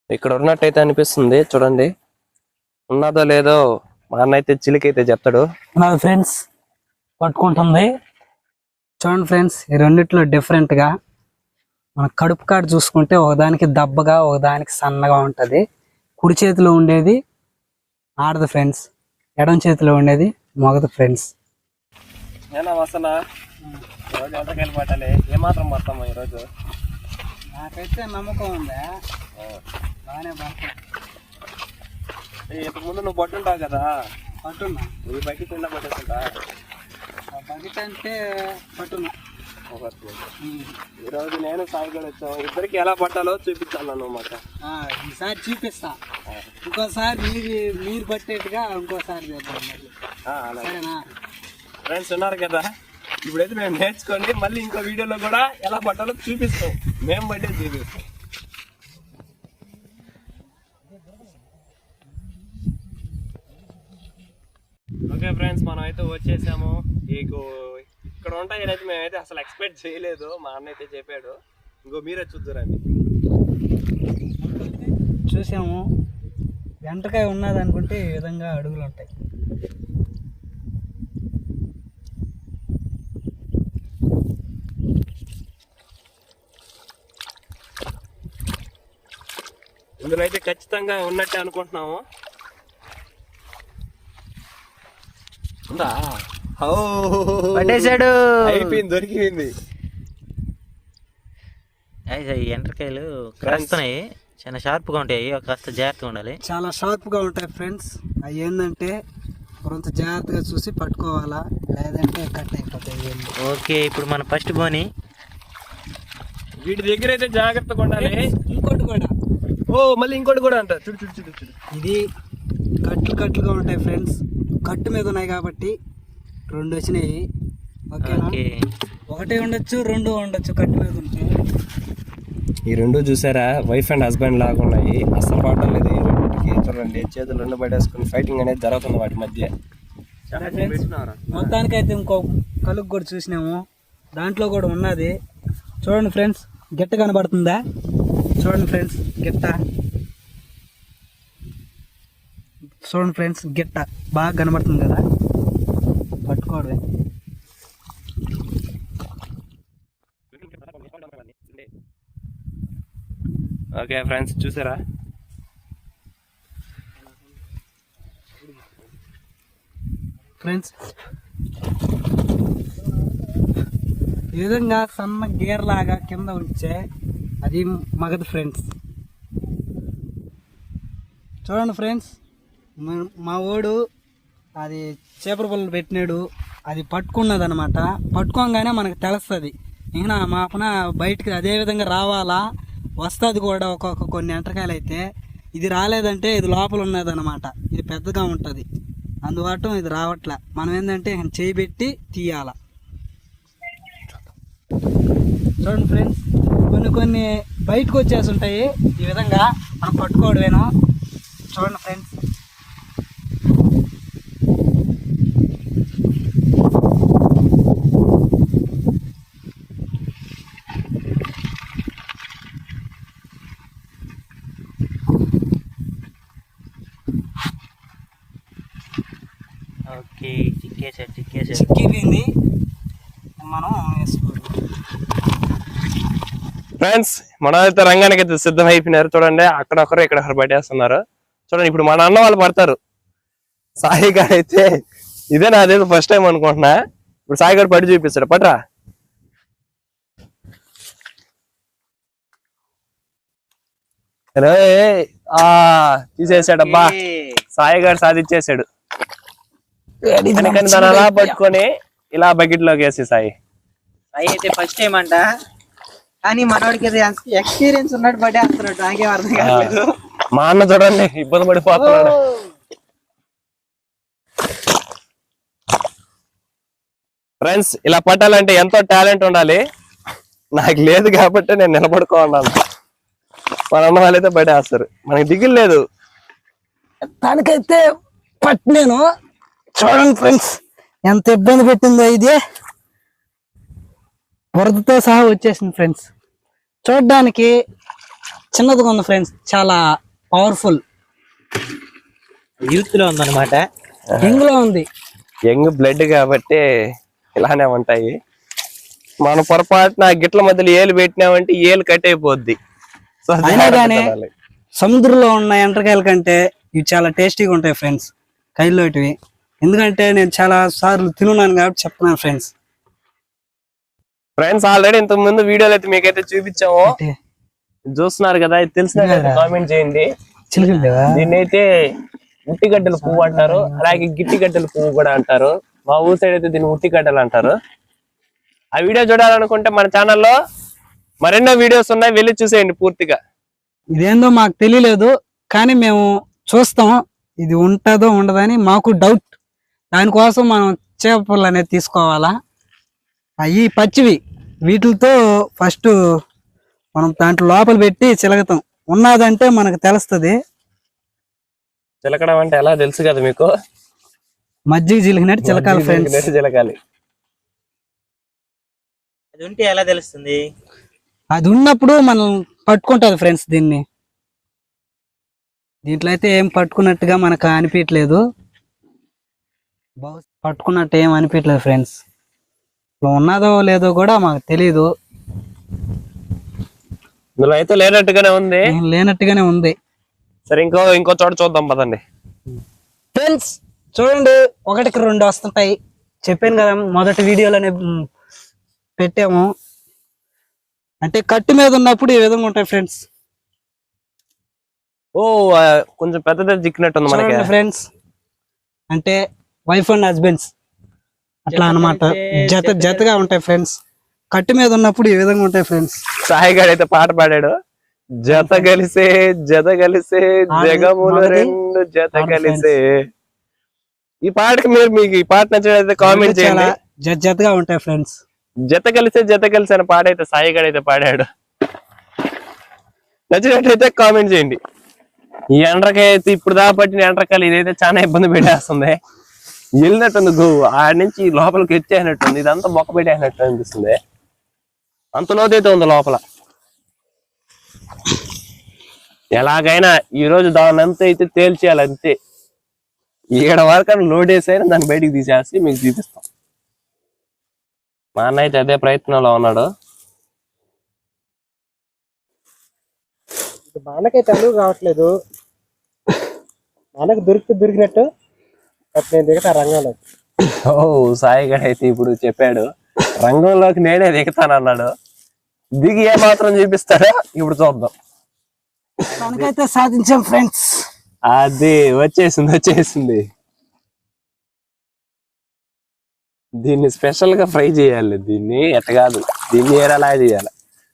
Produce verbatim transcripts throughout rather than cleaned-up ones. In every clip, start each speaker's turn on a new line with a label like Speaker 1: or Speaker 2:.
Speaker 1: ఇక్కడ ఉన్నట్టయితే అనిపిస్తుంది చూడండి. ఉన్నదో లేదో మా అన్న అయితే చిలికైతే చెప్తాడు.
Speaker 2: నా ఫ్రెండ్స్ పట్టుకుంటుంది చూడండి ఫ్రెండ్స్. ఈ రెండిట్లో డిఫరెంట్ గా మన కడుపు కాడు చూసుకుంటే ఒకదానికి దబ్బగా ఒకదానికి సన్నగా ఉంటది. కుడి చేతిలో ఉండేది ఆడదు ఫ్రెండ్స్, ఎడం చేతిలో ఉండేది మగదు ఫ్రెండ్స్.
Speaker 1: ఏనా వసనా రోజు ఎంతకాయలు పట్టాలి, ఏమాత్రం పడతాము ఈరోజు?
Speaker 2: నాకైతే నమ్మకం ఉందా బాగానే పడతా.
Speaker 1: ఇంతకు ముందు నువ్వు పట్టుంటావు కదా,
Speaker 2: పట్టున్నా.
Speaker 1: ఈ బకెట్ నిండా పట్టేస్తుంటా.
Speaker 2: బకెట్ అంటే పట్టున్నా.
Speaker 1: ఈరోజు నేను సాయి కూడా వచ్చాము. ఇద్దరికి ఎలా పట్టాలో చూపించాను అన్నమాట.
Speaker 2: ఈసారి చూపిస్తా, ఇంకోసారి మీరు మీరు పట్టేట్టుగా ఇంకోసారి చేద్దాం. సరేనా
Speaker 1: ఫ్రెండ్స్ ఉన్నారు కదా, ఇప్పుడైతే మేము నేర్చుకోండి మళ్ళీ ఇంకో వీడియోలో కూడా ఎలా పట్టాలో చూపిస్తాం. మేము బట్టే చూపిస్తాం. ఓకే ఫ్రెండ్స్, మనం అయితే వచ్చేసాము. మీకు ఇక్కడ ఉంటాయని అయితే మేమైతే అసలు ఎక్స్పెక్ట్ చేయలేదు. మా అన్న అయితే చెప్పాడు. ఇంకో మీరే చూద్దురండి.
Speaker 2: చూసాము, వెంటకాయ ఉన్నది అనుకుంటే ఈ విధంగా అడుగులు ఉంటాయి.
Speaker 1: ఇందులో అయితే ఖచ్చితంగా ఉన్నట్టే అనుకుంటున్నాము. ఉందా?
Speaker 3: పట్టేశాడు,
Speaker 1: అయిపోయింది, దొరికింది.
Speaker 3: ఎండ్రకాయలు కాస్తున్నాయి, చాలా షార్ప్ గా ఉంటాయి, కాస్త జాగ్రత్తగా ఉండాలి.
Speaker 2: చాలా షార్ప్ గా ఉంటాయి ఫ్రెండ్స్. అవి ఏంటంటే కొంత జాగ్రత్తగా చూసి పట్టుకోవాలా, లేదంటే కట్ అయిపోతాయి.
Speaker 3: ఓకే, ఇప్పుడు మన ఫస్ట్ బోని.
Speaker 1: వీటి దగ్గర అయితే జాగ్రత్తగా ఉండాలి.
Speaker 2: ఇంకోటి కూడా,
Speaker 1: ఓ మళ్ళీ ఇంకోటి కూడా అంట. చూడు చూడు చూడు చూడు,
Speaker 2: ఇది కట్లు కట్లుగా ఉంటాయి ఫ్రెండ్స్. కట్టు మీద ఉన్నాయి కాబట్టి రెండు వచ్చినాయి. ఓకేనా? ఒకటే ఉండొచ్చు, రెండు ఉండొచ్చు కట్టు మీద ఉంటే.
Speaker 1: ఈ రెండు చూసారా, వైఫ్ అండ్ హస్బెండ్ లాగా ఉన్నాయి. అస్సలు పడటం లేదు ఈ రెండింటికి. చూడండి, చేతులు రెండు పడేసుకుని ఫైటింగ్ అనేది జరుగుతుంది వాటి మధ్య.
Speaker 2: మొత్తానికైతే ఇంకో కలుగు కూడా చూసినాము, దాంట్లో కూడా ఉన్నది. చూడండి ఫ్రెండ్స్, గిట్ట కనబడుతుందా? చూడండి ఫ్రెండ్స్, గిట్ట చూడండి ఫ్రెండ్స్, గిట్ట బాగా కనబడుతుంది కదా, పట్టుకోవడమే.
Speaker 1: ఓకే ఫ్రెండ్స్, చూసారా?
Speaker 2: ఫ్రెండ్స్ ఈ విధంగా సన్న గేర్ లాగా కింద ఉంచే అది మగదు ఫ్రెండ్స్. చూడండి ఫ్రెండ్స్, మా ఓడు అది చేపల పుల్లలు పెట్టినాడు, అది పట్టుకున్నది అనమాట. పట్టుకోగానే మనకు తెలుస్తుంది. ఇంకా మా పన బయటికి అదే విధంగా రావాలా, వస్తుంది కూడా ఒక్కొక్క కొన్ని ఎంటకాయలు అయితే. ఇది రాలేదంటే ఇది లోపల ఉన్నది అనమాట, ఇది పెద్దగా ఉంటుంది, అందువల్ల ఇది రావట్లే. మనం ఏంటంటే చేయి పెట్టి తీయాల. చూడండి ఫ్రెండ్స్, కొన్ని కొన్ని బయటకు వచ్చేసి ఉంటాయి. ఈ విధంగా మనం పట్టుకోవడమేను. చూడండి ఫ్రెండ్స్,
Speaker 3: ఓకే, చిక్కేసాడు చిక్కేసాడు
Speaker 2: చిక్కిపోయింది. మనం వేసుకోవాలి
Speaker 1: ఫ్రెండ్స్. మన అయితే రంగానికి అయితే సిద్ధం అయిపోయినారు. చూడండి, అక్కడొకరు ఇక్కడొకరు పట్టేస్తున్నారు. చూడండి, ఇప్పుడు మన అన్న వాళ్ళు పడతారు. సాయి గారు అయితే ఇదే నాదేదో ఫస్ట్ టైం అనుకుంటున్నా. ఇప్పుడు సాయి గారు పడి చూపిస్తాడు. పట్రా. ఆ తీసేసాడబ్బా, సాయి గారు సాధించేసాడు. దాని అలా పట్టుకొని ఇలా బకెట్ లోకి వేసి సాయి
Speaker 3: సాయి అయితే ఫస్ట్ టైం అంట, కానీ మనోడికి ఎక్స్పీరియన్స్ ఉన్నట్టు పడేస్తున్నాడు. నాకేం అర్థం కాలేదు.
Speaker 1: మా అన్న చూడండి ఇబ్బంది పడిపోతున్నాడు. ఫ్రెండ్స్, ఇలా పట్టాలంటే ఎంతో టాలెంట్ ఉండాలి. నాకు లేదు కాబట్టి నేను నిలబడుకోన్నాను. మన అన్న వాళ్ళైతే పడేస్తారు, మనకి దిగులు లేదు.
Speaker 2: దానికైతే పట్టినాను. చూడండి ఫ్రెండ్స్, ఎంత ఇబ్బంది పెట్టిందో. ఇది బురదతో సహా వచ్చేసింది ఫ్రెండ్స్. చూడడానికి చిన్నదిగా ఉంది ఫ్రెండ్స్, చాలా పవర్ఫుల్.
Speaker 3: యూత్ లో ఉందన్నమాట.
Speaker 2: ఇంగులో ఉంది.
Speaker 1: యంగ్ బ్లడ్ కాబట్టి ఇలానే ఉంటాయి. మన పొరపాటున గిట్ల మధ్యలో ఏలు పెట్టినామంటే ఏలు కట్ అయిపోద్ది. సో
Speaker 2: అయినా కానీ సముద్రంలో ఉన్న ఎండ్రకాయల కంటే ఇవి చాలా టేస్టీగా ఉంటాయి ఫ్రెండ్స్, కైలోటివి. ఎందుకంటే నేను చాలా సార్లు తిన్నాను కాబట్టి చెప్తున్నాను ఫ్రెండ్స్.
Speaker 1: ఫ్రెండ్స్ ఆల్రెడీ ఇంతకు ముందు వీడియోలు అయితే మీకైతే చూపించాము, చూస్తున్నారు కదా. ఇది తెలిసిన కామెంట్ చేయండి. దీన్ని అయితే ఉట్టిగడ్డల పువ్వు అంటారు, అలాగే గిట్టిగడ్డల పువ్వు కూడా అంటారు. మా ఊరు సైడ్ అయితే దీన్ని ఉట్టిగడ్డలు అంటారు. ఆ వీడియో చూడాలనుకుంటే మన ఛానల్లో మరెన్నో వీడియోస్ ఉన్నాయి, వెళ్ళి చూసేయండి పూర్తిగా.
Speaker 2: ఇదేందో మాకు తెలియలేదు, కానీ మేము చూస్తాం ఇది ఉంటుందో ఉండదని మాకు డౌట్. దానికోసం మనం చేపలు అనేది తీసుకోవాలా. అవి పచ్చివి, వీటితో ఫస్ట్ మనం దాంట్లో లోపల పెట్టి చిలకతాం. ఉన్నదంటే మనకు తెలుస్తుంది.
Speaker 1: చిలకడం అంటే ఎలా తెలుసు కదా మీకు,
Speaker 2: మజ్జిగ చిలికినట్టు చిలకాలి ఫ్రెండ్స్.
Speaker 1: చిలకాలి.
Speaker 3: అది ఉంటే ఎలా తెలుస్తుంది?
Speaker 2: అది ఉన్నప్పుడు మనం పట్టుకుంటుంది ఫ్రెండ్స్. దీన్ని దీంట్లో అయితే ఏం పట్టుకున్నట్టుగా మనకు అనిపించలేదు, పట్టుకున్నట్టు ఏం అనిపించలేదు ఫ్రెండ్స్. ఉన్నదో లేదో కూడా మాకు తెలీదు.
Speaker 1: ఇందులో అయితే లేనట్టుగానే ఉంది,
Speaker 2: లేనట్టుగానే ఉంది.
Speaker 1: సరే ఇంకో ఇంకో చోట చూద్దాం పదండి
Speaker 2: ఫ్రెండ్స్. చూడండి, ఒకటికి రెండు వస్తుంటాయి. చెప్పాను కదా మొదటి వీడియోలోనే పెట్టాము. అంటే కట్టు మీద ఉన్నప్పుడు ఈ విధంగా ఉంటాయి ఫ్రెండ్స్.
Speaker 1: ఓ కొంచెం పెద్దదే చిక్కినట్టు ఉంది మనకి
Speaker 2: ఫ్రెండ్స్. అంటే వైఫ్ అండ్ హస్బెండ్స్ అట్లా అన్నమాట, జత జతగా ఉంటాయి ఫ్రెండ్స్. కట్టు మీద ఉన్నప్పుడు ఈ విధంగా ఉంటాయి ఫ్రెండ్స్.
Speaker 1: సాయి గారు అయితే పాట పాడాడు, జత కలిసే జత కలిసే జగములు రెండు జత కలిసే. ఈ పాటకి మీరు మీకు ఈ పాట నచ్చినట్లయితే కామెంట్ చేయండి.
Speaker 2: జత జతగా ఉంటాయి ఫ్రెండ్స్.
Speaker 1: జత కలిసే జత కలిసి అనే పాట అయితే సాయి గారు అయితే పాడాడు. నచ్చినట్లయితే కామెంట్ చేయండి. ఈ ఎండ్రకాయ అయితే ఇప్పుడు దాకా పట్టిన ఎండ్రకాయలు ఇదైతే చాలా ఇబ్బంది పెట్టేస్తుంది. వెళ్ళినట్టుంది గోవు ఆడి నుంచి లోపలికి ఎత్తేసినట్టుంది. ఇదంతా మొక్క పెట్టేసినట్టు అనిపిస్తుంది. అంత లోతైతే ఉంది లోపల. ఎలాగైనా ఈ రోజు దాని అంతా అయితే తేల్చేయాలి అంతే. ఏడ వరకు లోడ్ వేసైనా దాన్ని బయటికి తీసేసి మీకు చూపిస్తాం. మా అన్న అయితే అదే ప్రయత్నంలో ఉన్నాడు.
Speaker 3: మనకైతే అలుగు రావట్లేదు, మనకు దొరికి దొరికినట్టు నేను దిగుతా రంగంలో.
Speaker 1: ఓ సాయి గారు అయితే ఇప్పుడు చెప్పాడు, రంగంలోకి నేనే దిగుతానన్నాడు. దిగి ఏ మాత్రం చూపిస్తాడో ఇప్పుడు చూద్దాం.
Speaker 2: మనకైతే సాధించాం ఫ్రెండ్స్.
Speaker 1: అది వచ్చేసింది వచ్చేసింది. దీన్ని స్పెషల్ గా ఫ్రై చేయాలి. దీన్ని ఎట్ట కాదు, దీన్ని ఏరలా చేయాలి.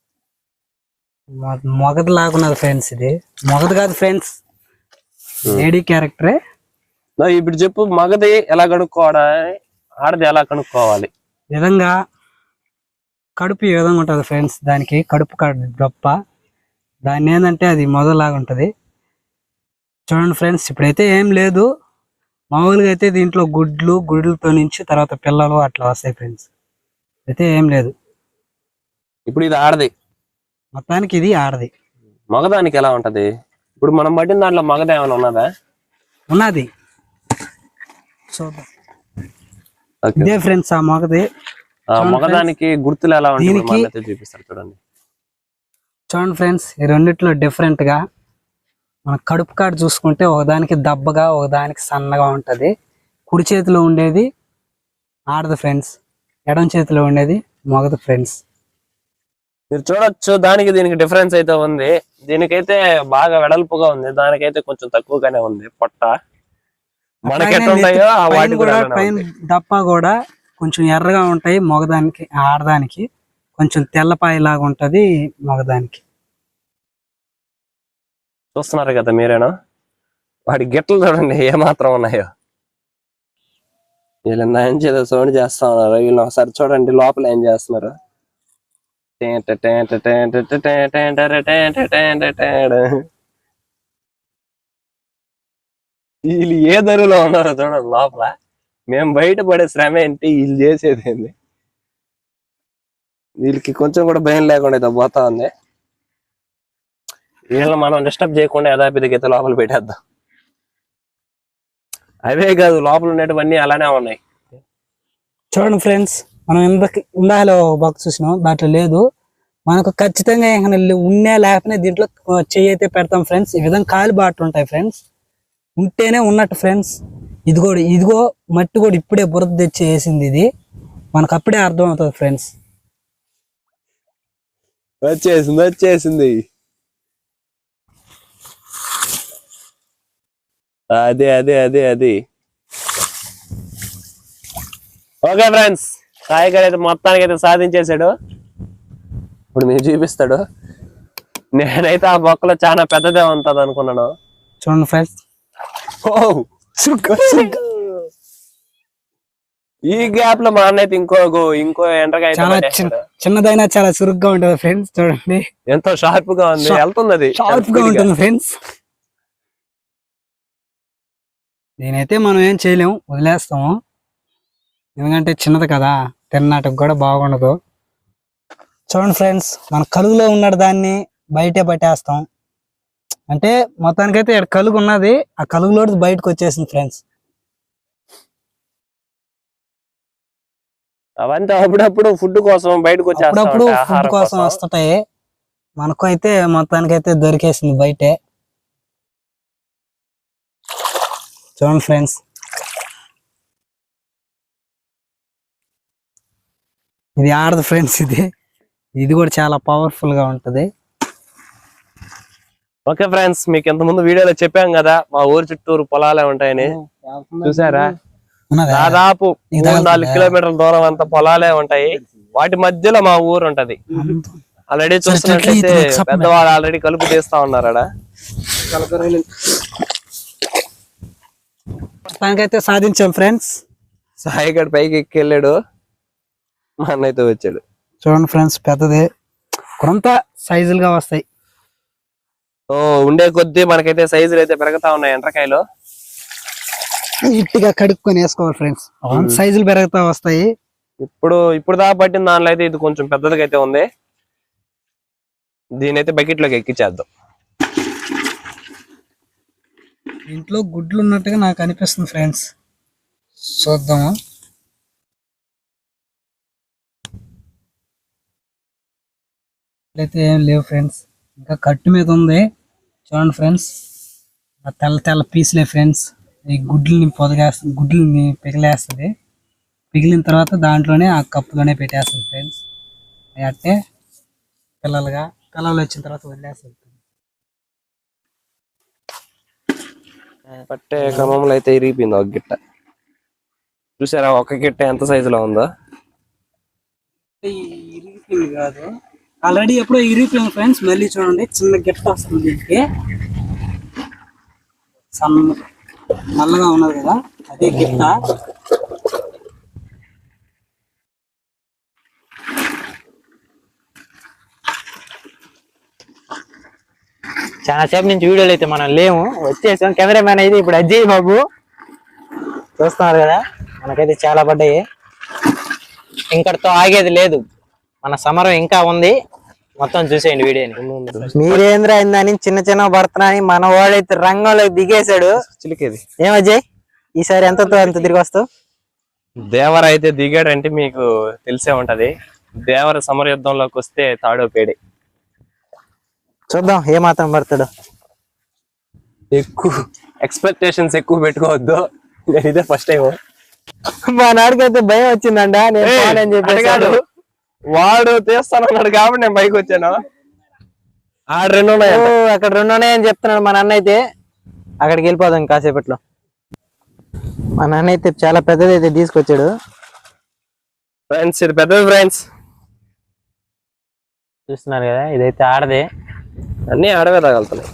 Speaker 2: మొగది లాగున్నది ఫ్రెండ్స్. ఇది మొగది కాదు ఫ్రెండ్స్, లేడీ క్యారెక్టరే.
Speaker 1: ఇప్పుడు చెప్పు, మగది ఎలా కనుక్కోవాలి, ఆడది ఎలా కనుక్కోవాలి?
Speaker 2: విధంగా కడుపు ఈ విధంగా ఉంటుంది ఫ్రెండ్స్. దానికి కడుపు గొప్ప, దాన్ని ఏంటంటే అది మొదలాగా ఉంటుంది. చూడండి ఫ్రెండ్స్, ఇప్పుడైతే ఏం లేదు. మామూలుగా అయితే దీంట్లో గుడ్లు గుడ్లతో నుంచి తర్వాత పిల్లలు అట్లా వస్తాయి ఫ్రెండ్స్. అయితే ఏం లేదు.
Speaker 1: ఇప్పుడు ఇది ఆడది,
Speaker 2: మొత్తానికి ఇది ఆడది.
Speaker 1: మగదానికి ఎలా ఉంటది? ఇప్పుడు మనం పట్టిన దాంట్లో మగద ఏమైనా ఉన్నదా?
Speaker 2: ఉన్నది, చూద్దాం. ఇదే ఫ్రెండ్స్ ఆ మగది.
Speaker 1: మగదానికి గుర్తులు ఎలా ఉంటాయి చూపిస్తారు చూడండి.
Speaker 2: చూడండి ఫ్రెండ్స్, ఈ రెండిట్లో డిఫరెంట్ గా మన కడుపు కాడ చూసుకుంటే ఒకదానికి దబ్బగా ఒకదానికి సన్నగా ఉంటది. కుడి చేతిలో ఉండేది ఆడదు ఫ్రెండ్స్, ఎడం చేతిలో ఉండేది మగదు ఫ్రెండ్స్.
Speaker 1: మీరు చూడొచ్చు, దానికి దీనికి డిఫరెన్స్ అయితే ఉంది. దీనికైతే బాగా వెడల్పుగా ఉంది, దానికైతే కొంచెం తక్కువగానే ఉంది పొట్ట. మనకి ఎట్లా ఉంటాయో వాటి కూడా
Speaker 2: పైన దప్ప కూడా కొంచెం ఎర్రగా ఉంటాయి మగదానికి, ఆడదానికి కొంచెం తెల్లపాయి లాగా ఉంటది మగదానికి.
Speaker 1: చూస్తున్నారు కదా మీరేనా, వాడి గిట్టలు చూడండి ఏమాత్రం ఉన్నాయో. వీళ్ళు ఏం చేదో సౌండ్ చేస్తా ఉన్నారు. వీళ్ళు ఒకసారి చూడండి లోపల ఏం చేస్తున్నారు. వీళ్ళు ఏ ధరలో ఉన్నారో చూడండి లోపల. మేము బయట పడే శ్రమ ఏంటి, వీళ్ళు చేసేది ఏంది. వీళ్ళకి కొంచెం కూడా భయం లేకుండా అయితే పోతా ఉంది. వీళ్ళని మనం డిస్టర్బ్ చేయకుండా యథాపిదికి అయితే లోపల పెట్టేద్దాం. అవే కాదు లోపల ఉండేటివన్నీ అలానే ఉన్నాయి.
Speaker 2: చూడండి ఫ్రెండ్స్, మనం ఇందాక ఇందాకలో బాక్స్ చూసినాం, దాంట్లో లేదు. మనకు ఖచ్చితంగా ఏమైనా ఉన్నా లేకపోయినా దీంట్లో చెయ్యి అయితే పెడతాం ఫ్రెండ్స్. ఈ విధంగా కాలు బాటలు ఉంటాయి ఫ్రెండ్స్, ఉంటేనే ఉన్నట్టు ఫ్రెండ్స్. ఇది కూడా ఇదిగో మట్టి కూడా ఇప్పుడే బురద తెచ్చి వేసింది, ఇది మనకు అప్పుడే అర్థం అవుతుంది ఫ్రెండ్స్.
Speaker 1: వచ్చేసింది వచ్చేసింది అదే అదే అదే అది. ఓకే ఫ్రెండ్స్, సాయి గారు అయితే మొత్తానికి అయితే సాధించేశాడు. ఇప్పుడు మీరు చూపిస్తాడు. నేనైతే ఆ మొక్కలో చాలా పెద్దదే ఉంటది అనుకున్నాను.
Speaker 2: చూడండి ఫ్రెండ్స్,
Speaker 1: ఈ గ్యాప్ లో మా అన్న అయితే ఇంకో ఇంకో ఎండ్రకాయ
Speaker 2: చాలా చిన్నదైనా చాలా చురుగ్గా ఉంటది ఫ్రెండ్స్. చూడండి
Speaker 1: ఎంతో షార్ప్ గా ఉంది, వెళ్తుంది అది
Speaker 2: షార్ప్ గా ఉంటుంది ఫ్రెండ్స్. నేనైతే మనం ఏం చేయలేము, వదిలేస్తాము. ఎందుకంటే చిన్నది కదా, తిన్నట్టుకు కూడా బాగుండదు. చూడండి ఫ్రెండ్స్, మన కలుగులో ఉన్న దాన్ని బయటే పట్టేస్తాం. అంటే మొత్తానికైతే ఇక్కడ కలుగు ఉన్నది, ఆ కలుగులో బయటకు వచ్చేసింది ఫ్రెండ్స్.
Speaker 1: అవంతా అప్పుడప్పుడు ఫుడ్ కోసం బయటకు
Speaker 2: అప్పుడప్పుడు ఫుడ్ కోసం వస్తుంటాయి. మనకు అయితే మొత్తానికైతే దొరికేసింది బయటే. చూడండి ఫ్రెండ్స్, ఇది ఆడదు ఫ్రెండ్స్. ఇది ఇది కూడా చాలా పవర్ఫుల్ గా ఉంటది.
Speaker 1: ఓకే ఫ్రెండ్స్, మీకు ఇంత ముందు వీడియోలో చెప్పాం కదా మా ఊరు చుట్టూరు పొలాలే ఉంటాయని. చూసారా, దాదాపు మూడు నాలుగు కిలోమీటర్ల దూరం అంతా పొలాలే ఉంటాయి. వాటి మధ్యలో మా ఊరు ఉంటది. ఆల్రెడీ చూస్తున్నట్లయితే పెద్దవాళ్ళు ఆల్రెడీ కలుపు తీస్తా ఉన్నారు.
Speaker 2: దానికైతే సాధించాం ఫ్రెండ్స్.
Speaker 1: సాయి గడ్ పైకి ఎక్కి వెళ్ళాడు, మా అన్నైతే వచ్చాడు.
Speaker 2: చూడండి ఫ్రెండ్స్, పెద్దది కొంత సైజులుగా వస్తాయి.
Speaker 1: ఓ ఉండే కొద్దీ మనకైతే సైజులు అయితే పెరుగుతా ఉన్నాయి. ఎండ్రకాయలు
Speaker 2: నీట్గా కడుక్కొని వేసుకోవాలి ఫ్రెండ్స్, సైజులు పెరుగుతా వస్తాయి.
Speaker 1: ఇప్పుడు ఇప్పుడు దాకా పట్టిన దానిలో అయితే ఇది కొంచెం పెద్దదిగా అయితే ఉంది. దీని అయితే బకెట్ లోకి ఎక్కించేద్దాం.
Speaker 2: ఇంట్లో గుడ్లు ఉన్నట్టుగా నాకు అనిపిస్తుంది ఫ్రెండ్స్, చూద్దాము. అయితే ఏం లేవు ఫ్రెండ్స్, ఇంకా కట్టు మీద ఉంది. చూడండి ఫ్రెండ్స్, ఆ తెల్ల తెల్ల పీసులే ఫ్రెండ్స్. ఈ గుడ్లని పొదగేస్తుంది, గుడ్లని పిగిలేస్తుంది. పిగిలిన తర్వాత దాంట్లోనే ఆ కప్పులోనే పెట్టేస్తుంది ఫ్రెండ్స్. అట్టే పిల్లలుగా పిల్లలు వచ్చిన తర్వాత వదిలేస్తుంది.
Speaker 1: పట్టే క్రమంలో అయితే ఇరిగిపోయింది ఒక గిట్ట. చూసారా ఒక గిట్ట ఎంత సైజులో ఉందో.
Speaker 2: ఇరిగిపోయింది కాదు, ఆల్రెడీ ఎప్పుడో ఇరిగిపోయింది ఫ్రెండ్స్. మళ్ళీ చూడండి, చిన్న గిట్ట వస్తుంది దీనికి. సన్న నల్లగా ఉన్నది కదా, అదే గిట్ట.
Speaker 3: చాలా సేపు నుంచి వీడియోలు అయితే మనం లేము, వచ్చేసాం. కెమెరామ్యాన్ అయితే ఇప్పుడు అజయ్ బాబు చూస్తున్నారు కదా, మనకైతే చాలా పడ్డాయి. ఇంకటితో ఆగేది లేదు, మన సమరం ఇంకా ఉంది. మొత్తం చూసేయండి వీడియోని. మీరేంద్ర అయిందని చిన్న చిన్న పడుతున్నాని మన వాడైతే రంగంలోకి దిగేశాడు.
Speaker 1: చిలికేది
Speaker 3: ఏం అజయ్, ఈసారి ఎంతతో ఎంత తిరిగి వస్తావు?
Speaker 1: దేవర అయితే దిగాడంటే మీకు తెలిసే ఉంటది. దేవర సమర యుద్ధంలోకి వస్తే తాడో పేడే.
Speaker 3: చూద్దాం ఏ మాత్రం పడతాడు.
Speaker 1: ఎక్కువ ఎక్స్పెక్టేషన్స్ ఎక్కువ పెట్టుకోవద్దు. నేను ఇదే ఫస్ట్ టైం.
Speaker 3: మా నాడికైతే భయం వచ్చిందంట, నేను అని చెప్పాడు.
Speaker 1: వాడు తీస్తానన్నాడు కాబట్టి నేను బైక్ వచ్చాను. ఆ రెండు ఉన్నాయి,
Speaker 3: అక్కడ రెండు ఉన్నాయని చెప్తున్నాడు మా నాన్న అయితే. అక్కడికి వెళ్ళిపోదాం కాసేపట్లో. మా నాన్న అయితే చాలా పెద్దది అయితే తీసుకొచ్చాడు
Speaker 1: ఫ్రెండ్స్. ఇది పెద్దది ఫ్రెండ్స్,
Speaker 3: చూస్తున్నారు కదా. ఇదైతే ఆడదే,
Speaker 1: అన్ని ఆడవే తగలుతున్నాయి.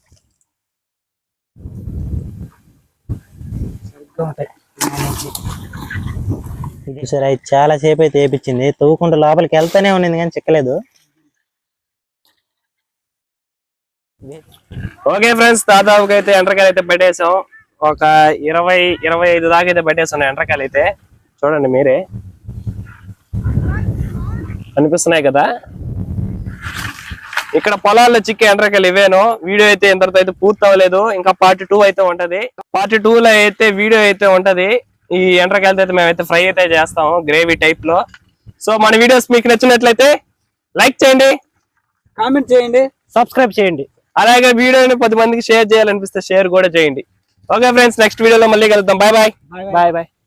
Speaker 3: చూసారా, ఇది చాలా సేపు అయితే వేపించింది. తవ్వుకుంటూ లోపలికి వెళ్తానే ఉన్నది కానీ చిక్కలేదు.
Speaker 1: ఓకే ఫ్రెండ్స్, దాదాపుగా అయితే ఎండ్రకాయలు అయితే పెట్టేసాం. ఒక ఇరవై ఇరవై ఐదు దాకా అయితే పెట్టేసాం ఎండ్రకాయలు అయితే. చూడండి మీరే, కనిపిస్తున్నాయి కదా. ఇక్కడ పొలాల్లో చిక్కే ఎండ్రకాయలు ఇవేను. వీడియో అయితే ఇంతటితో అయితే పూర్తి అవ్వలేదు, ఇంకా పార్ట్ టూ అయితే ఉంటది. పార్ట్ టూ లో అయితే వీడియో అయితే ఉంటది. ఈ ఎండ్రకాయలతో అయితే మేమైతే ఫ్రై అయితే చేస్తాము గ్రేవీ టైప్ లో. సో మన వీడియోస్ మీకు నచ్చినట్లయితే లైక్ చేయండి,
Speaker 2: కామెంట్ చేయండి,
Speaker 3: సబ్స్క్రైబ్ చేయండి.
Speaker 1: అలాగే వీడియోని పది మందికి షేర్ చేయాలనిపిస్తే షేర్ కూడా చేయండి. ఓకే ఫ్రెండ్స్, నెక్స్ట్ వీడియోలో మళ్ళీ కలుద్దాం. Bye bye.
Speaker 3: Bye bye.